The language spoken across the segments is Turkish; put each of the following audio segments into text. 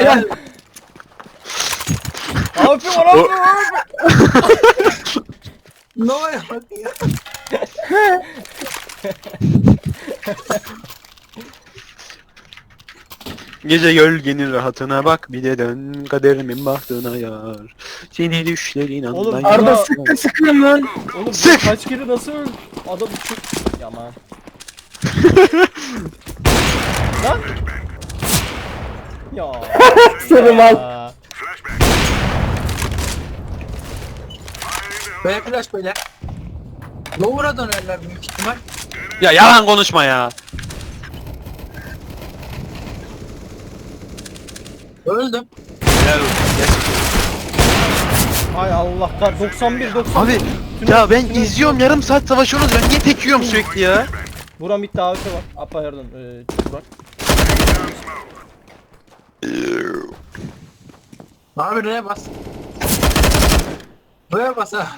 gel. Abi var abi. Nova'ya bak ya. Gece gölgenin rahatına bak bir de dön kaderimin bahtına yar. Seni düşlerin Oğlum, anlayar. Arda sıkı sıkıyorum lan. Oğlum Sık! kaç kere nasıl öldü? Adam uçup... Yaman. Lan! Ya. Seni mal. Ya. Böyle flash böyle. Lower'a dönerler büyük ihtimal. Ya yalan konuşma ya. Öldüm. Helal olsun, gerçekten. Ay Allah kar 91. Abi ya ben izliyorum yarım saat savaşıyorsunuz ben niye tek yiyorum sürekli ya? Buram bitti abi var. Apa pardon. Burak. Abi R'ye bas. R'ye bas ha.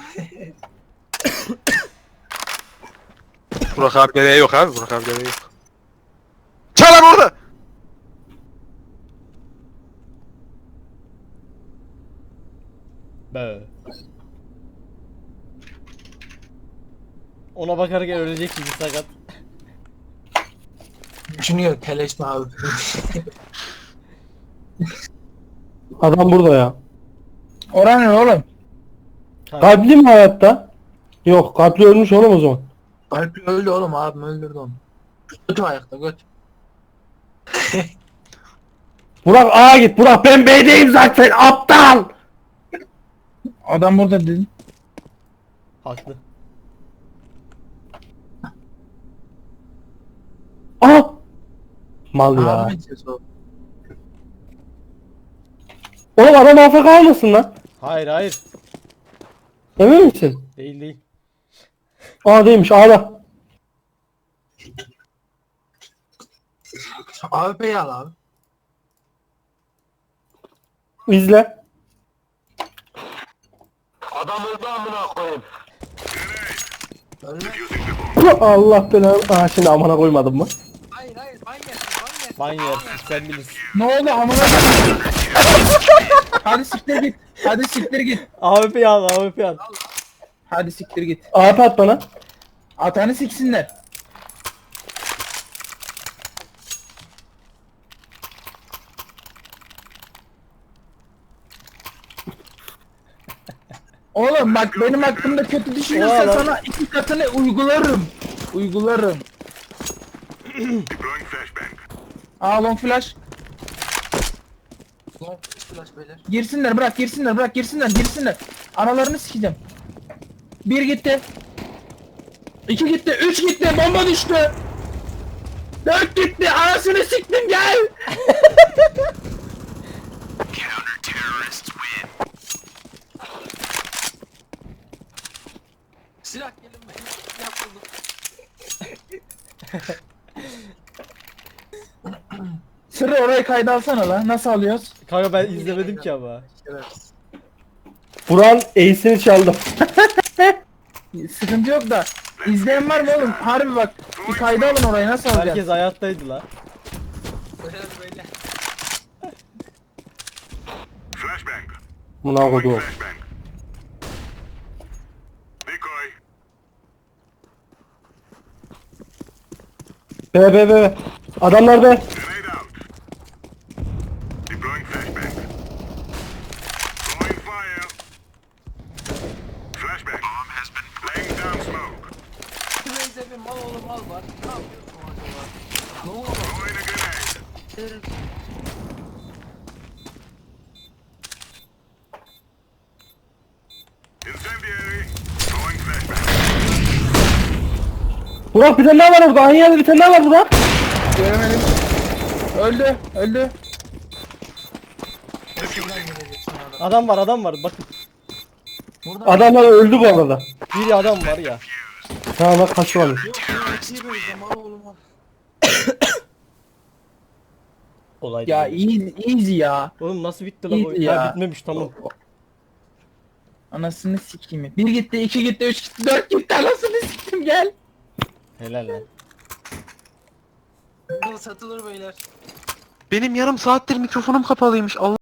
Burak abilere yok abi Burak abilere yok. Çalar orada. Be. Ona bakarken ölecek gibi sakat. Düşünüyor keleşme abi. Adam burada ya. Oran ne oğlum? Kalpli mi hayatta? Yok, kalpli ölmüş oğlum o zaman. Alp öldü oğlum, abim öldürdü onu. Götü ayakta göt. Burak A'ya git. Burak ben B'deyim zaten aptal. Adam burada dedin. Haklı. Aha. Mal ya. Abimin sesi o. Oğlum adam AFK olmasın lan. Hayır hayır. Emin misin? Değil değil. Aa değilmiş A'da. AWP'yi al abi. İzle. Ölme. Allah belanı. Aa şimdi amına koymadım mı? Hayır hayır, ban yersin ban yersin. Ban yersin sen bilirsin. Ne oldu amına Hadi siktir git. Hadi siktir git. AWP al AWP al. Hadi siktir git. AP at bana. Atanı siksinler. Oğlum bak benim hakkımda kötü düşünürsen Oğlum. sana 2 katını uygularım. Uygularım. Aa long flash. Long flash beyler. Girsinler bırak girsinler bırak girsinler. Analarını sikeceğim. 1 gitti. 2 gitti. 3 gitti. Bomba düştü. 4 gitti. Anasını siktim gel. Silah gelin benim. Yapıldı. Sırrı orayı kayda alsana lan. Nasıl alıyoruz? Kanka ben izlemedim ki ama. Evet. Burak'ın ace'ini çaldım. Sıkıntı yok da. İzleyen var mı oğlum? Harbi bak. Bir kayda alın orayı nasıl alacağız? Herkes hayattaydı la. Beyler beyler. Buna koydu. B. Adamlar B. Raze'e bir mal oğlum mal var. Ne yapıyorsun acaba? Ne oldu? Burak bir tane daha var orada. Aynı yerde bir tane daha var Burak. Göremedim. Öldü. Şuradan gelecek sana da. Adam var bakın. Buradan Adamlar öldü bu arada. Bir adam var ya. Ha bak kaçırmamış. yok ya. İyi Raze'e mal oğlum mal. Olay Ya easy ya. Oğlum nasıl bitti la İyi bu? ya. Ha bitmemiş tamam. Anasını sikeyim. 1 gitti, 2 gitti, 3 gitti, 4 gitti. Anasını siktim gel. Helal lan. Burada satılır beyler. Benim yarım saattir mikrofonum kapalıymış. Allah